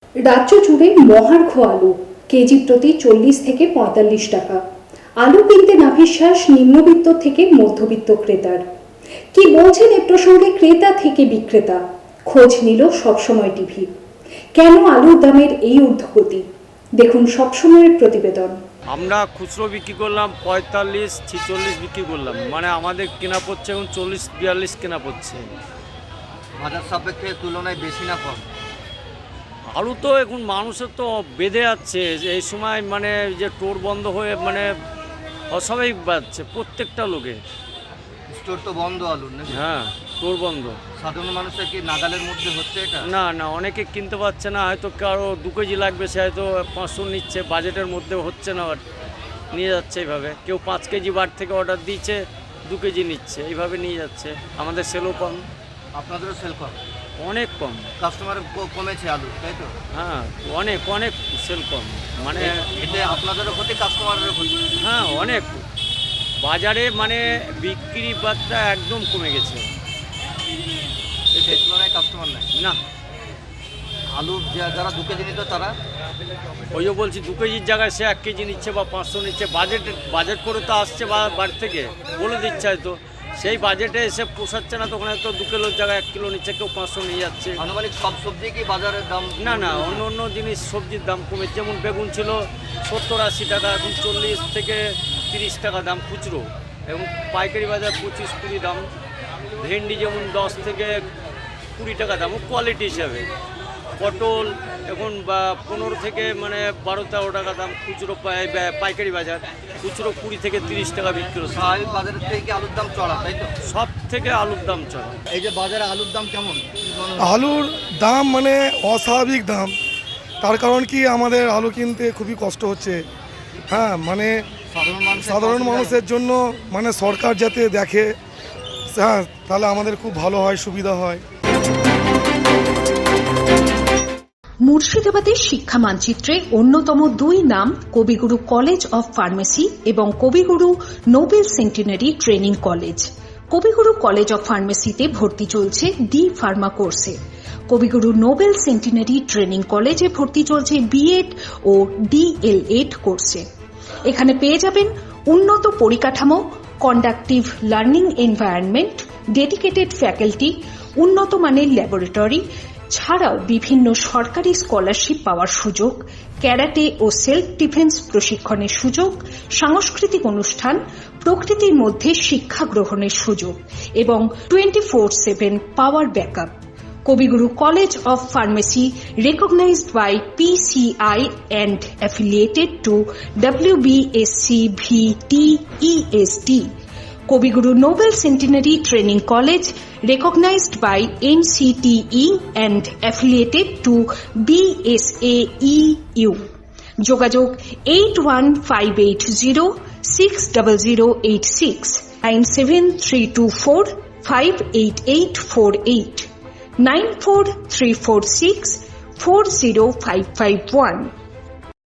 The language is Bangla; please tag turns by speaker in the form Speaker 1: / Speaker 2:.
Speaker 1: রাজ্য জুড়ে মহার্ঘ আলু কেজি প্রতি 40 থেকে 45 টাকা। আলু কিনতে নাভিশ্বাস নিম্নবিত্ত থেকে মধ্যবিত্ত ক্রেতার। কি বলছেন এ প্রসঙ্গে ক্রেতা থেকে বিক্রেতা? খোঁজ নিল সবসময় টিভি। কেন আলুর দামের এই ঊর্ধ্বগতি? দেখুন সবসময়ের প্রতিবেদন।
Speaker 2: আমরা খুচরো বিক্রি করলাম 45-46 বিক্রি করলাম, মানে আমাদের কেনা পড়ছে এখন 40-42 কেনা পড়ছে।
Speaker 3: বাজার সাপেক্ষে তুলনায় বেশি না কম?
Speaker 2: আলু তো এখন মানুষের তো বেঁধে যাচ্ছে এই সময়, মানে যে টোর বন্ধ হয়ে মানে অস্বাভাবিক বাড়ছে প্রত্যেকটা লোকে।
Speaker 3: স্টোর তো বন্ধ আলুর নাকি?
Speaker 2: হ্যাঁ, টোর বন্ধ।
Speaker 3: সাধারণ মানুষের কি নাগালের মধ্যে হচ্ছে এটা?
Speaker 2: না না, অনেকে কিনতে পারছে না, হয়তো কারো 2 কেজি লাগবে, সে হয়তো 500 নিচ্ছে, বাজেটের মধ্যে হচ্ছে না, নিয়ে যাচ্ছে এইভাবে। কেউ 5 কেজি বার থেকে অর্ডার দিচ্ছে, 2 কেজি নিচ্ছে, এইভাবে নিয়ে যাচ্ছে। আমাদের সেলও কম।
Speaker 3: আপনাদেরও সেল কম?
Speaker 2: অনেক কম।
Speaker 3: কাস্টমার কমেছে আলু, তাই তো?
Speaker 2: হ্যাঁ, অনেক অনেক সেল কম, মানে
Speaker 3: এতে আপনাদেরও ক্ষতি, কাস্টমারেরও ক্ষতি।
Speaker 2: হ্যাঁ, অনেক। বাজারে মানে বিক্রি বার্তা একদম কমে গেছে,
Speaker 3: সেই তুলনায় কাস্টমার নাই
Speaker 2: না।
Speaker 3: আলু যারা 2 কেজি নিত তারা?
Speaker 2: ওই যে বলছি, 2 কেজির জায়গায় সে 1 কেজি নিচ্ছে বা 500 নিচ্ছে। বাজেট করে তো আসছে বাড়ি থেকে, বলে দিচ্ছে হয়তো, সেই বাজেটে এসে পোষাচ্ছে না, তখন হয়তো 2 কিলোর জায়গায় 1 কিলো নিচ্ছে, কেউ 500 নিয়ে যাচ্ছে।
Speaker 3: আনুমানিক সব সবজি কি বাজারের দাম?
Speaker 2: না না, অন্য অন্য জিনিস সবজির দাম কমেছে। যেমন বেগুন ছিল 70-80 টাকা, এখন 40 থেকে 30 টাকা দাম খুচরো, এবং পাইকারি বাজার 25-20 দাম। ভেন্ডি যেমন 10 থেকে 20 টাকা দাম, কোয়ালিটি হিসাবে। পটল এখন 15 থেকে মানে 12-13 টাকা দাম খুচরো, পাইকারি বাজার। খুচরো 20 থেকে 30 টাকা বিক্রি হচ্ছে।
Speaker 3: স্বাভাবিক বাজারের থেকে কি আলুর দাম চড়া, তাই তো?
Speaker 2: সব থেকে আলুর দাম চড়া।
Speaker 3: এই যে বাজারে আলুর দাম কেমন?
Speaker 4: আলুর দাম মানে অস্বাভাবিক দাম। তার কারণ কি, আমাদের আলু কিনতে খুবই কষ্ট হচ্ছে। হ্যাঁ, মানে সাধারণ মানুষের জন্য মানে সরকার যাতে দেখে, হ্যাঁ, তাহলে আমাদের খুব ভালো হয়, সুবিধা হয়।
Speaker 5: মুর্শিদাবাদের শিক্ষা মানচিত্রে অন্যতম 2 নাম কবিগুরু কলেজ অফ ফার্মেসি এবং Kabiguru Nobel centenary training college. Kabiguru college of ফার্মেসিতে ভর্তি চলছে ডি ফার্মা কোর্সে। কবিগুরু নোবেল সেন্টিনারি ট্রেনিং কলেজে ভর্তি চলছে বিএড ও ডিএলএড কোর্সে। এখানে পেয়ে যাবেন উন্নত পরিকাঠামো, conductive learning environment, dedicated faculty, উন্নত মানের ল্যাবরেটরি ছাড়াও বিভিন্ন সরকারি স্কলারশিপ পাওয়ার সুযোগ, ক্যারাটে ও সেলফ ডিফেন্স প্রশিক্ষণের সুযোগ, সাংস্কৃতিক অনুষ্ঠান, প্রকৃতির মধ্যে শিক্ষা গ্রহণের সুযোগ এবং 24/7 power backup. Kabiguru college of pharmacy recognized by PCI and affiliated to WBSCVTESD. Kabiguru Nobel centenary training college recognized by NCTE and affiliated to BSAEU. যোগাযোগ 8158060086, 9732458848, 9434640551.